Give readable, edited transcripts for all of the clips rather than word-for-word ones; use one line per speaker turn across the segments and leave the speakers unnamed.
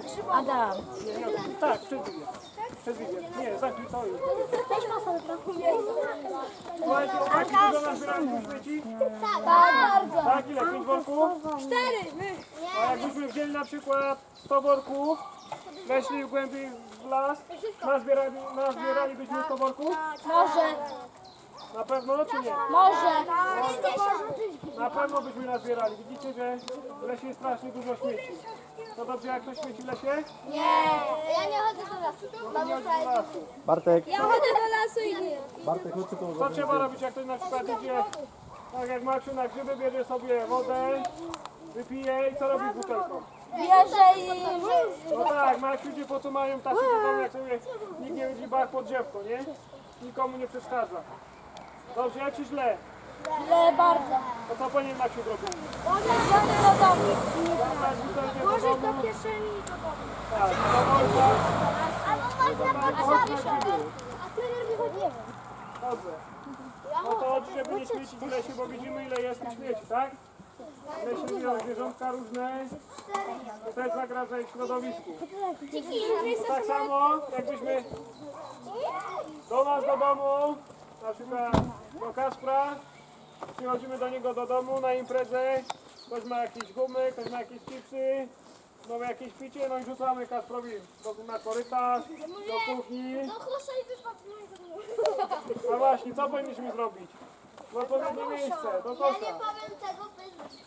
Adam.
Tak, przez wizję. Nie, zamknij to już. Słuchajcie, chłopaki, dużo nazbieraliśmy śmieci?
Tak, bardzo.
Tak, ile? 5 worków?
4.
A jakbyśmy wzięli na przykład 100 worków, weszli głębiej w las, nazbieralibyśmy 100 worków?
Może.
Na pewno, czy nie?
Może.
Na pewno byśmy nazbierali. Widzicie, że w lesie jest strasznie dużo śmieci. To dobrze, jak ktoś śmieci w lesie?
Nie. Ja nie chodzę do lasu.
Nie chodzi do lasu.
Bartek,
Ja chodzę do lasu i nie.
Bartek, chodź tu.
Co trzeba robić, jak ktoś na przykład idzie, tak jak Maksiu na grzyby, bierze sobie wodę, wypije i co robi z butelką?
Bierze i...
No tak, Maksiu idzie po co mają tacy do domu, jak sobie nikt nie widzi bach pod drzewko, nie? Nikomu nie przeszkadza. Dobrze, jak ci źle?
Źle bardzo.
To co powinien Maksiu zrobić?
Wziąć do domu.
Zabrać butelkę do
Włożyć
domu.
do kieszeni i do domu.
Tak, do worka.
Albo można
Tak, chodź na grzyby.
A trener wychodzi.
Dobrze. No to żeby nie śmiecić w lesie, bo widzimy ile jest tych śmieci, tak? W lesie żyją zwierzątka różne, to też zagraża ich środowisku. To tak samo jakbyśmy do nas do domu, na przykład do Kaspra, przychodzimy do niego do domu na imprezę, ktoś ma jakieś gumy, ktoś ma jakieś chipsy, no jakieś picie, no i rzucamy Kasprowi na korytarz, do kuchni. A właśnie, co powinniśmy zrobić? W odpowiednie miejsce, do kosza.
powiem tego bez...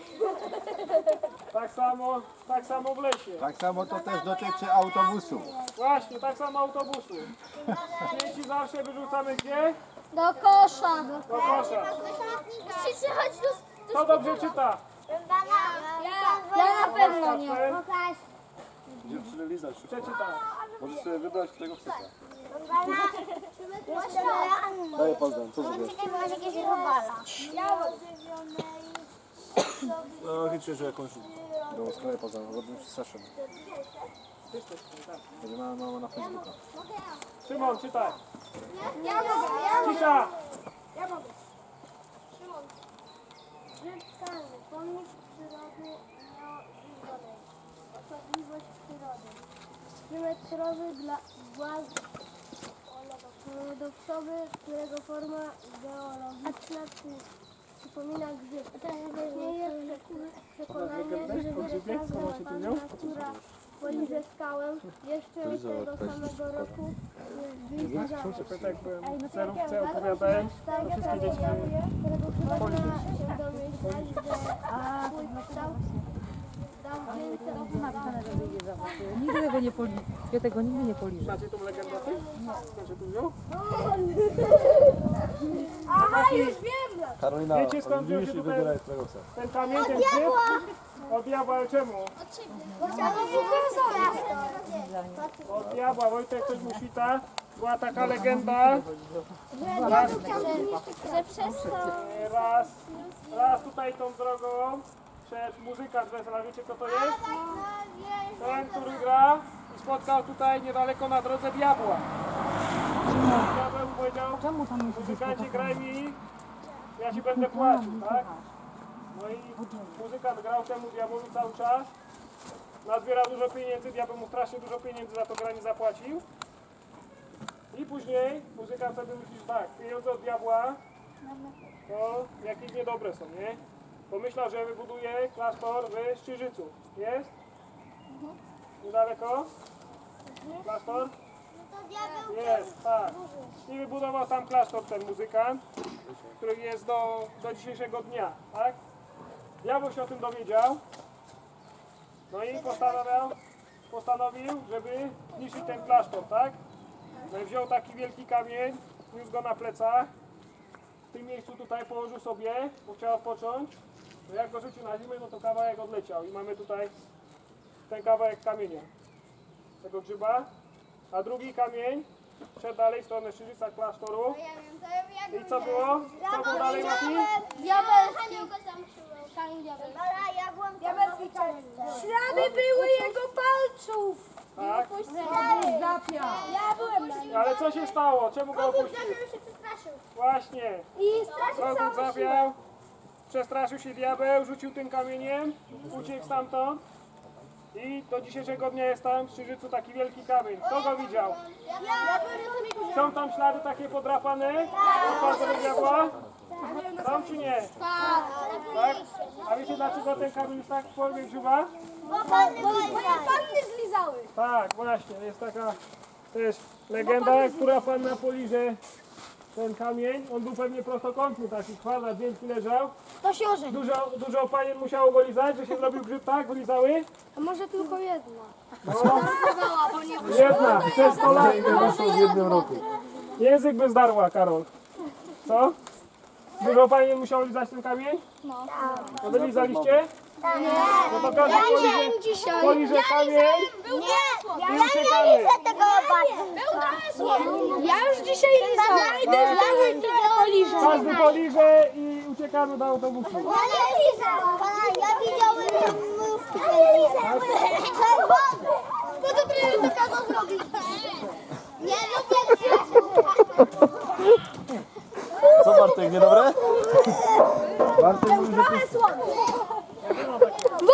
Tak samo w lesie.
Tak samo to też dotyczy autobusu.
Właśnie, tak samo autobusu. Śmieci zawsze wyrzucamy gdzie?
Do kosza.
Do kosza.
Musicie chodzić do...
Kto dobrze czyta?
Ja na pewno nie.
Kasper,
Dziewczyny lizać,
przeczyta.
możesz sobie wybrać, którego chcesz. Daję pozdrow, co zrobisz? No liczę, że jakąś do sklepu pozdrow, robimy przestraszony. Będzie mama na Facebooka.
Szymon, czytaj.
Ja mogę.
Cisza.
Żydkany, pomnik przyrody nieożywionej. Osobliwość przyrody. Symetrowy dla władz paradoksowy, którego forma geologiczna przypomina grzyb. Istnieje przekonanie, że każda ładna, która poliże skałę, jeszcze tego samego roku jest bliźniaczą.
Tak byłem w cerówce, opowiadałem.
Tak,
wszystkie dzieci
którego chyba można się domyślać, że swój kształt dał więcej.
Nigdy tego nie poliżę. Ja tego nigdy nie poliżę.
Znacie tą legendę o tym? Znacie tu wziął?
Aha, już wiem!
Karolina,
Wiecie, skąd wziął się
widzisz i
tutaj-
wybieraj, którego chcesz.
Ten kamień, ten grzyb? Od diabła, ale czemu? Od diabła, Wojtek coś mu świta. Była taka legenda.
Że przez to...
Raz tutaj tą drogą przed muzykant wesela, wiecie kto to jest? Ten, który gra i spotkał tutaj niedaleko na drodze diabła. Diabeł mu powiedział, muzykancie graj mi, ja ci będę płacił, tak? No i muzykant grał temu diabłowi cały czas. Nazbierał dużo pieniędzy, diabeł mu strasznie dużo pieniędzy za to granie zapłacił. I później muzykant sobie myśli, że tak, pieniądze od diabła to jakieś niedobre są, nie? Pomyślał, że wybuduje klasztor w Szczyżycu. Jest? Niedaleko? Klasztor? Jest, tak. I wybudował tam klasztor ten muzykant, który jest do dzisiejszego dnia, tak? Diabeł się o tym dowiedział. No i postanowił, żeby zniszczyć ten klasztor, tak? No i wziął taki wielki kamień, niósł go na plecach. W tym miejscu tutaj położył sobie, bo chciał odpocząć. No jak go rzucił na ziemię, no to kawałek odleciał. I mamy tutaj ten kawałek kamienia, tego grzyba. A drugi kamień szedł dalej w stronę Szczyżyca klasztoru. I co było? Co było dalej, Mati?
Diabelski. Diabelski kamień. Ślady były jego palców.
Tak.
Ja byłem na nim.
Ale co się stało? Czemu go opuścił? Właśnie.
I straszył
Kogut
całą siłę.
zawiał, przestraszył się diabeł, rzucił tym kamieniem, uciekł stamtąd. I do dzisiejszego dnia jest tam w Strzyżycu taki wielki kamień. Kto go widział? Są tam ślady takie podrapane? Od Pana diabła? Są czy nie? Tak? A wiecie dlaczego ten kamień jest tak w formie grzyba?
Panny zlizały.
Tak, właśnie. Jest taka też legenda, która Panna poliże ten kamień. On był pewnie prostokątny, taki kwadrat wielki leżał.
To się orze.
Dużo panien musiało go lizać, że się zrobił grzyb, tak? Wylizały?
A może tylko jedna?
Jedna, przez 100 lat.
Wyszło w jednym roku.
Język by zdarła, Karol. Co? Dużo panien musiało lizać ten kamień? No wy lizaliście? No to każdy poliże kamień i uciekamy.
Ja już dzisiaj lizałem.
Każdy poliże i uciekamy do autobusu.
Ja widziałem po co ty to kazał zrobić? Nie lubię
Co Bartek, niedobre? Bartek mówi, że
słowo.